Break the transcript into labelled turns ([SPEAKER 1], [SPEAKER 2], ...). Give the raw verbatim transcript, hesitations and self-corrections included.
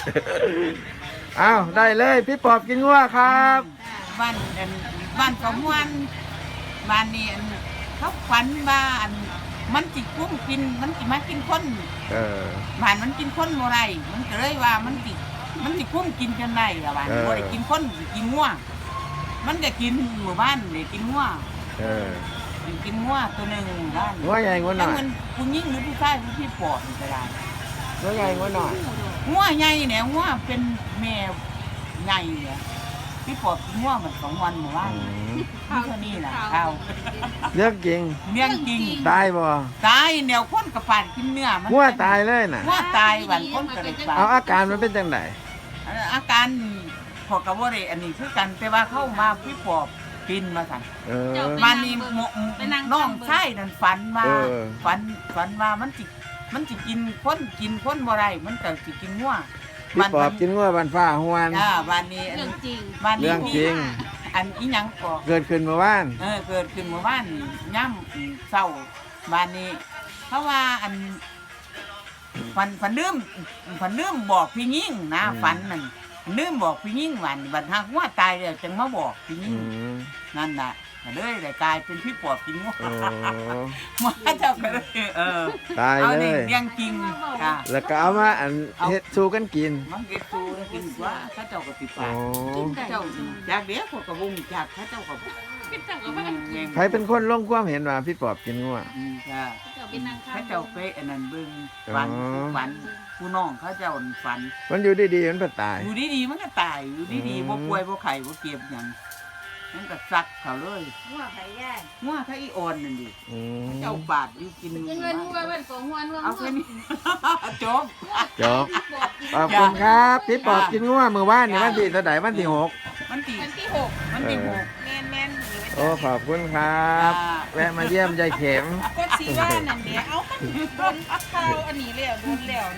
[SPEAKER 1] อ้าวได้เลยพี่ปอบกินงัวครับ
[SPEAKER 2] บ้านอันบ้านของวันบ้านนี้อันเขาฝันว่าอันมันจิกุ้มกินมันจิมากินคน
[SPEAKER 1] เออ
[SPEAKER 2] บ้านมันกินคนโมไรมันก็เลยว่ามันจิมันจิกุ้มกินกันได้ละบ้าน
[SPEAKER 1] เออ
[SPEAKER 2] บ่ได้กินคนสิกินงัวมันก็กินหมู่บ้านเลยกินงัว
[SPEAKER 1] เออ
[SPEAKER 2] กินงัวตัวหนึ่งบ้าน
[SPEAKER 1] งัวใหญ่งัวหน่อย
[SPEAKER 2] มันผู้หญิงหรือผู้ชายผู้พี่ปอดก็ได้
[SPEAKER 1] งัวใหญ่งัวหน่อย
[SPEAKER 2] งัวใหญ่เนี่ยงัวเป็นแม่ใหญ่เนี่ยพี่ปอดกินงัวเหมือนสองวันหมู่บ้าน
[SPEAKER 1] อืม
[SPEAKER 2] นี่เท่านี้แหละข้าว
[SPEAKER 1] เรื่องจริง
[SPEAKER 2] เมี่ยงจริง
[SPEAKER 1] ตายบ่
[SPEAKER 2] ตายแนวคนกระปานกินเนื้อมัน
[SPEAKER 1] งัวตายเลยน่ะ
[SPEAKER 2] งัวตายวันคนกระเลยปา
[SPEAKER 1] เอาอาการมันเป็นจังได
[SPEAKER 2] อาการพอกระวเรอันนี้คือกันแต่ว่าเข้ามาพี่ปอบกินมาสั่น
[SPEAKER 1] เออ
[SPEAKER 2] มานี่หมน้องไส้นั่นฝันว่า
[SPEAKER 1] เออ
[SPEAKER 2] ฝันฝันว่ามันจิมันจิกินคนกินคนบ่ได้มันก็สิกินงัว
[SPEAKER 1] พี่ปอบกินงัวบันฟ้าหวน
[SPEAKER 2] อ่าวันนี้อัน
[SPEAKER 3] เรื่องจริง
[SPEAKER 2] วันนี้
[SPEAKER 1] เรื่องจริง
[SPEAKER 2] อันอีหยังก็
[SPEAKER 1] เกิดขึ้นเมื่อวาน
[SPEAKER 2] เออเกิดขึ้นเมื่อวานย่ำเศร้าบ้านนี้ เพราะว่าอันฝันฝันลืมฝันลืมบอกพี่ยิ่งนะฝันนั่นลืมบอกพี่ยิ่งวันบัดหากว่าตายแล้วจึงมาบอกพี่
[SPEAKER 1] อื
[SPEAKER 2] ยิ่ง
[SPEAKER 1] ม
[SPEAKER 2] นั่นน่ะก็เลยได้กลายเป็นพี่ปอบกินงัว
[SPEAKER 1] โอ้
[SPEAKER 2] มาเจ้าก็เลยเออ
[SPEAKER 1] ตาย
[SPEAKER 2] เอา
[SPEAKER 1] เล
[SPEAKER 2] นี่
[SPEAKER 1] ย
[SPEAKER 2] เลี้ยงจริงค่ะ
[SPEAKER 1] แล้วก็เอามาอันเฮ็ดสู้กันกิน
[SPEAKER 2] มันเก็บตูกินกว่าข้าเจ้าก็ติด
[SPEAKER 1] โอ้
[SPEAKER 2] ปากข้าเจ้าจากเดี๋ยวพวกกระวงจากข้าเจ้าก็
[SPEAKER 3] เป็นจังกับว่ากิน
[SPEAKER 1] ใครเป็นคนลงความเห็นว่าพี่ปอบกินงัว
[SPEAKER 2] อืมค่ะ
[SPEAKER 3] เจ้าเป็นนางข้า
[SPEAKER 2] ข้าเจ้าไปอันนั้นเบิ่ง
[SPEAKER 1] อ๋อ
[SPEAKER 2] ฝันฝันผู้น้องข้าเจ้าฝัน
[SPEAKER 1] มันอยู่ดีๆมันไปตาย
[SPEAKER 2] อยู่ดีๆมันก็ตายอยู่ดี
[SPEAKER 1] อื
[SPEAKER 2] ๆ
[SPEAKER 1] ม
[SPEAKER 2] บ่ป่วยบ่ไข้บ่เก็บหยังมันก็ซักเขาเลย
[SPEAKER 3] หัวไข่ย่าง
[SPEAKER 2] งัวถ้าอีอ่อนนั่นดิ
[SPEAKER 1] อืม
[SPEAKER 2] เจ้าบาดอยู่กิน
[SPEAKER 3] ยังเงินหัวเว้นของหัวนัว
[SPEAKER 2] เอาแค่นี้ จบ
[SPEAKER 1] จบขอบคุณครับพี่ปอบกินงัวมื้อวานนี่วันที่เท่าใดวันที่หก
[SPEAKER 2] มันตี
[SPEAKER 3] วันที่หก
[SPEAKER 2] มันตีหก
[SPEAKER 3] แม่นแม่น
[SPEAKER 1] โอ้ขอบคุณครับ
[SPEAKER 2] จ้า
[SPEAKER 1] แวะมาเยี่ยมยายเข็ม
[SPEAKER 3] ก็สีว่านั่นเดียวเอาโดนข้าวอันนี้แล้วโดนแล้ว